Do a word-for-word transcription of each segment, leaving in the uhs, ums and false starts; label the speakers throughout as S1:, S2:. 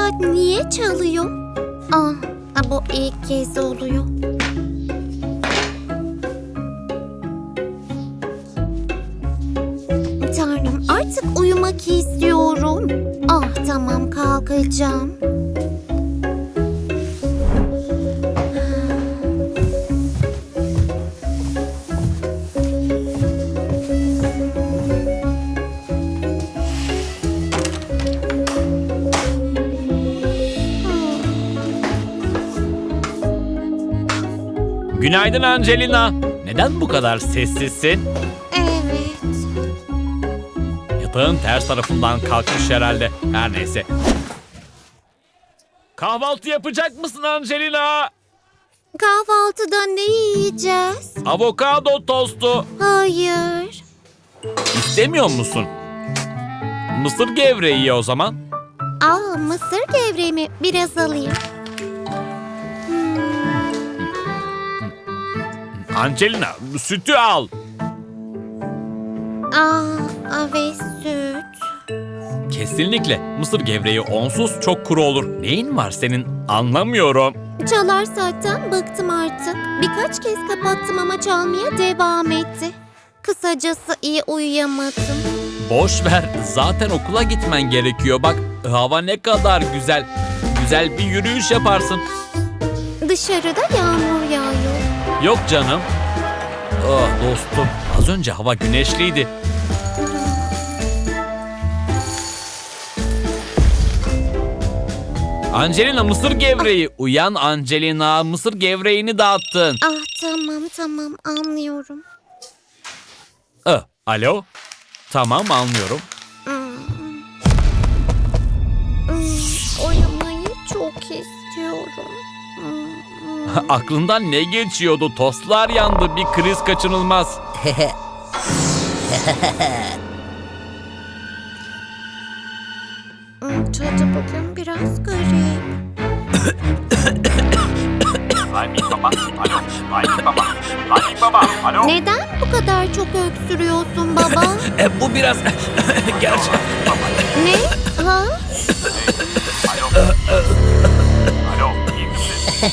S1: saat niye çalıyor? Aa, bu ilk kez oluyor. Tanrım, artık uyumak istiyorum. Ah, tamam, kalkacağım.
S2: Günaydın Angelina. Neden bu kadar sessizsin?
S1: Evet.
S2: Yatağın ters tarafından kalkmış herhalde. Her neyse. Kahvaltı yapacak mısın Angelina?
S1: Kahvaltıda ne yiyeceğiz?
S2: Avokado tostu.
S1: Hayır.
S2: İstemiyor musun? Mısır gevreği ye o zaman.
S1: Aa, mısır gevreği biraz alayım.
S2: Angelina, sütü al.
S1: Aa, ve süt.
S2: Kesinlikle. Mısır gevreği onsuz çok kuru olur. Neyin var senin? Anlamıyorum.
S1: Çalar saatten bıktım artık. Birkaç kez kapattım ama çalmaya devam etti. Kısacası iyi uyuyamadım.
S2: Boş ver. Zaten okula gitmen gerekiyor. Bak, hava ne kadar güzel. Güzel bir yürüyüş yaparsın.
S1: Dışarıda yağmur yağıyor.
S2: Yok canım. Ah dostum, az önce hava güneşliydi. Angelina, mısır gevreği. Uyan Angelina, mısır gevreğini dağıttın.
S1: Ah, tamam tamam, anlıyorum.
S2: Ah, alo? Tamam, anlıyorum.
S1: Hmm. Hmm, uyumayı çok istiyorum. Hmm.
S2: Aklından ne geçiyordu? Tostlar yandı, bir kriz kaçınılmaz.
S1: Hmm, tadı bugün biraz garip.
S2: Layık baba, alo. Layık baba, layık baba, alo.
S1: Neden bu kadar çok öksürüyorsun baba?
S2: E, bu biraz gerçi.
S1: Ne? Ha?
S2: Alo. Alo, iyi misin?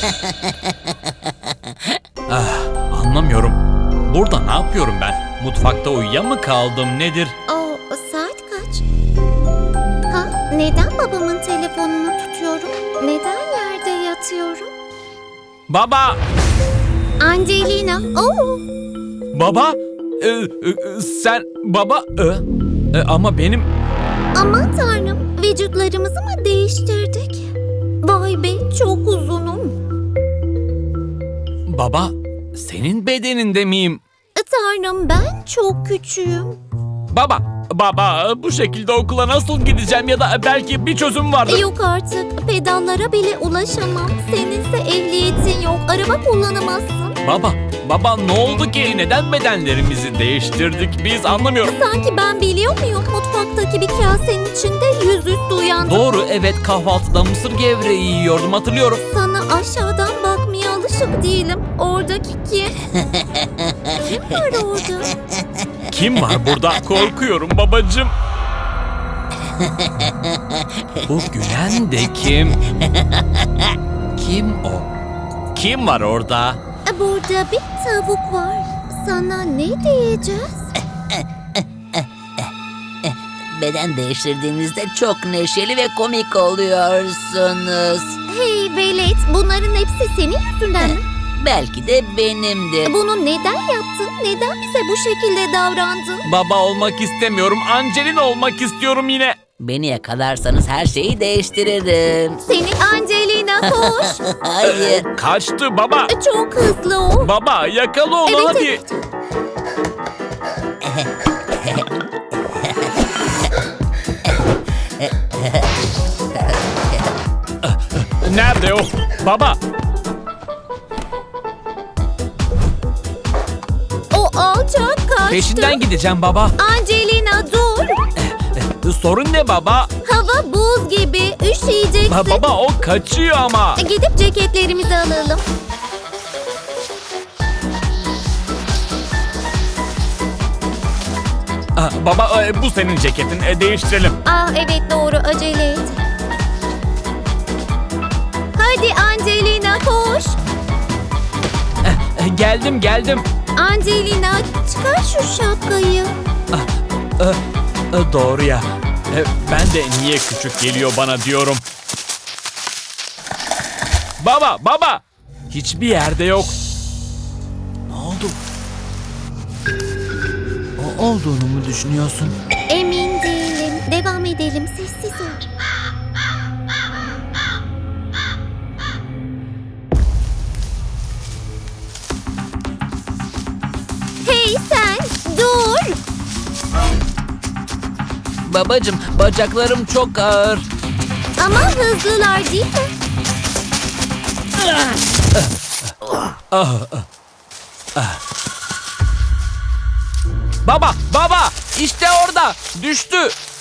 S2: Ah, anlamıyorum. Burada ne yapıyorum ben? Mutfakta uyuya mı kaldım, nedir?
S1: O saat kaç? Ha? Neden babamın telefonunu tutuyorum? Neden yerde yatıyorum?
S2: Baba!
S1: Angelina. Oo.
S2: Baba! Ee, e, sen baba... Ee, e, ama benim...
S1: Aman tanrım, vücutlarımızı mı değiştirdik? Vay be, çok uzunum.
S2: Baba, senin bedeninde miyim?
S1: E, Tanrım, ben çok küçüğüm.
S2: Baba, baba bu şekilde okula nasıl gideceğim ya da belki bir çözüm vardır.
S1: E, Yok artık, pedallara bile ulaşamam. Seninse ehliyetin yok, araba kullanamazsın.
S2: Baba, baba ne oldu ki? Neden bedenlerimizi değiştirdik biz anlamıyorum.
S1: Sanki ben biliyor muyum? Mutfaktaki bir kasenin içinde yüzüstü uyandım.
S2: Doğru, evet, kahvaltıda mısır gevreği yiyordum, hatırlıyorum.
S1: Sana aşağıdan bakmaya alışık değilim. Oradaki kim? Kim var orada?
S2: Kim var burada? Korkuyorum babacığım. Bu gülen de kim? Kim o? Kim var orada?
S1: Burada bir tavuk var. Sana ne diyeceğiz?
S3: Beden değiştirdiğinizde çok neşeli ve komik oluyorsunuz.
S1: Hey velet, bunların hepsi senin yüzünden mi?
S3: Belki de benimdir.
S1: Bunu neden yaptın? Neden bize bu şekilde davrandın?
S2: Baba olmak istemiyorum. Angelina olmak istiyorum yine.
S3: Beni yakalarsanız her şeyi değiştiririm.
S1: Seni Angelina, koş.
S3: Hayır.
S2: Kaçtı baba.
S1: Çok hızlı o.
S2: Baba yakala onu
S1: Evet,
S2: hadi.
S1: evet.
S2: Nerede o? Baba.
S1: O alçak kaçtı.
S2: Peşinden gideceğim baba.
S1: Angelina dur.
S2: Sorun ne baba?
S1: Hava buz gibi. Üşüyeceksin.
S2: Ba- baba o kaçıyor ama.
S1: Gidip ceketlerimizi alalım.
S2: Ah, baba e, bu senin ceketin. E, değiştirelim.
S1: Aa evet doğru, acele et. Hadi Angelina koş.
S2: Eh, Geldim geldim.
S1: Angelina çıkar şu şapkayı.
S2: Eh, eh, Doğru ya. Eh, Ben de niye küçük geliyor bana diyorum. Baba baba. Hiçbir yerde yok. Ne oldu? O olduğunu mu düşünüyorsun?
S1: Emin değilim. Devam edelim, sessiz ol. Hey sen, dur.
S2: Babacım, bacaklarım çok ağır.
S1: Ama hızlılar değil mi?
S2: Baba baba işte orada düştü.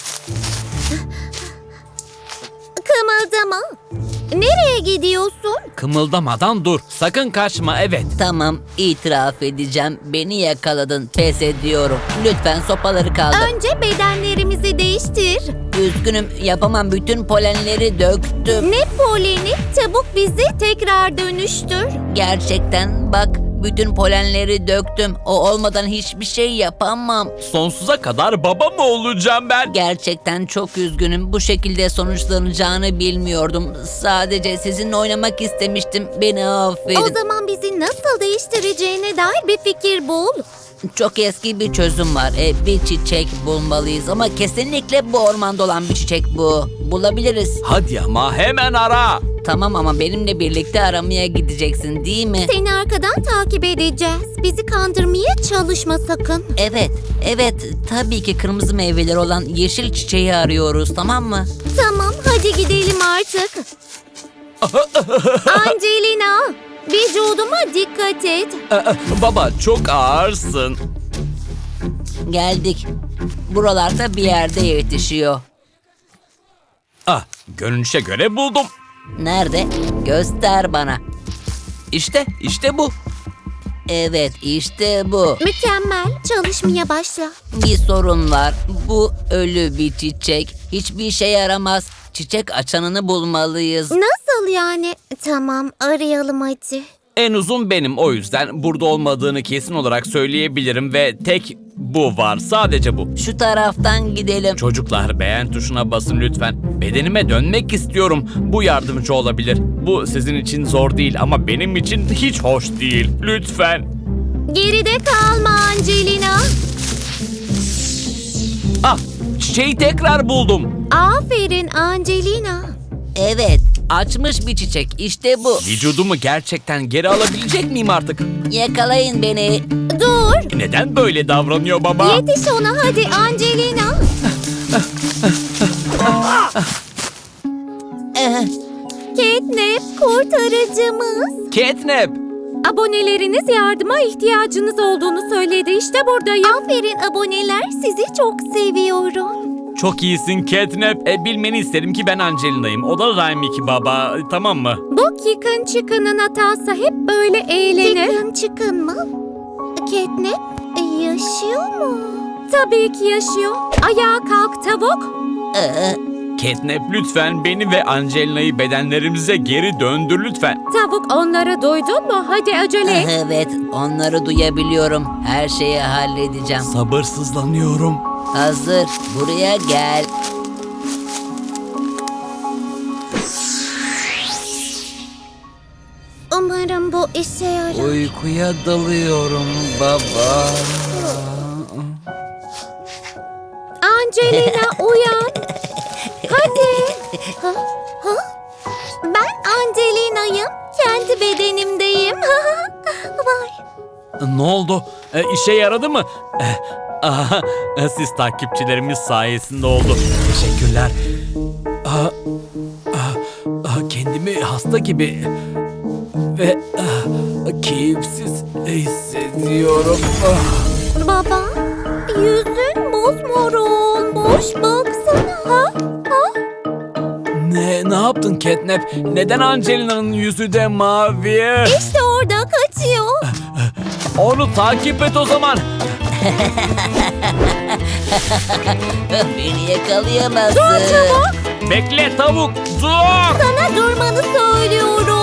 S1: Kımıldama. Nereye gidiyorsun?
S2: Kımıldamadan dur. Sakın kaçma, evet.
S3: Tamam, itiraf edeceğim. Beni yakaladın. Pes ediyorum. Lütfen sopaları kaldır.
S1: Önce bedenlerimizi değiştir.
S3: Üzgünüm, yapamam. Bütün polenleri döktüm.
S1: Ne poleni? Çabuk bizi tekrar dönüştür.
S3: Gerçekten bak, bütün polenleri döktüm. O olmadan hiçbir şey yapamam.
S2: Sonsuza kadar baba mı olacağım ben?
S3: Gerçekten çok üzgünüm. Bu şekilde sonuçlanacağını bilmiyordum. Sadece sizinle oynamak istemiştim. Beni affedin.
S1: O zaman bizi nasıl değiştireceğine dair bir fikir bul.
S3: Çok eski bir çözüm var. E, bir çiçek bulmalıyız ama kesinlikle bu ormanda olan bir çiçek bu. Bulabiliriz.
S2: Hadi ama hemen ara.
S3: Tamam ama benimle birlikte aramaya gideceksin değil mi?
S1: Seni arkadan takip edeceğiz. Bizi kandırmaya çalışma sakın.
S3: Evet, evet. Tabii ki kırmızı meyveleri olan yeşil çiçeği arıyoruz, tamam mı?
S1: Tamam, hadi gidelim artık. Angelina, vücuduma dikkat et.
S2: Ee, Baba çok ağırsın.
S3: Geldik. Buralarda bir yerde yetişiyor.
S2: Ah, görünüşe göre buldum.
S3: Nerede? Göster bana.
S2: İşte, işte bu.
S3: Evet, işte bu.
S1: Mükemmel, çalışmaya başla.
S3: Bir sorun var. Bu ölü bir çiçek. Hiçbir işe yaramaz. Çiçek açanını bulmalıyız.
S1: Nasıl yani? Tamam, arayalım hadi.
S2: En uzun benim, o yüzden burada olmadığını kesin olarak söyleyebilirim ve tek bu var, sadece bu.
S3: Şu taraftan gidelim.
S2: Çocuklar, beğen tuşuna basın lütfen. Bedenime dönmek istiyorum. Bu yardımcı olabilir. Bu sizin için zor değil ama benim için hiç hoş değil. Lütfen.
S1: Geride kalma Angelina.
S2: Ah, çiçeği tekrar buldum.
S1: Aferin Angelina.
S3: Evet, açmış bir çiçek. İşte bu.
S2: Vücudumu gerçekten geri alabilecek miyim artık?
S3: Yakalayın beni.
S1: Dur.
S2: Neden böyle davranıyor baba?
S1: Yetiş ona hadi Angelina.
S3: Eh,
S1: Catnap kurtarıcımız.
S2: Catnap.
S1: Aboneleriniz yardıma ihtiyacınız olduğunu söyledi. İşte buradayım. Aferin aboneler. Sizi çok seviyorum.
S2: Çok iyisin Catnap. E, bilmeni isterim ki ben Angelina'yım. O da Raimiki baba. Tamam mı?
S1: Bu Kikın Çıkın'ın hatası, hep böyle eğlenir. Kikın Çıkın mı? Catnap yaşıyor mu? Tabii ki yaşıyor. Ayağa kalk tavuk.
S3: eh,
S2: Catnap lütfen beni ve Angelina'yı bedenlerimize geri döndür lütfen.
S1: Tavuk, onları duydun mu? Hadi acele et.
S3: Evet, onları duyabiliyorum. Her şeyi halledeceğim.
S2: Sabırsızlanıyorum.
S3: Hazır, buraya gel.
S1: Umarım bu işe yarar.
S2: Uykuya dalıyorum baba.
S1: Angelina uyan. Hadi. Ha? Ha? Ben Angelina'yım. Kendi bedenimdeyim. Vay.
S2: Ne oldu? E, işe yaradı mı? E, aha, siz takipçilerimiz sayesinde oldu. Teşekkürler. Aa, aa, aa, kendimi hasta gibi ve aa, keyifsiz hissediyorum. Ah.
S1: Baba, yüzün mosmor olmuş. Baksana. Ha? Ha?
S2: Ne, ne yaptın Catnap? Neden Angelina'nın yüzü de mavi?
S1: İşte orada kaçıyor.
S2: Onu takip et o zaman.
S3: Beni yakalayamazsın.
S1: Dur çabuk.
S2: Bekle tavuk, dur.
S1: Sana durmanı söylüyorum.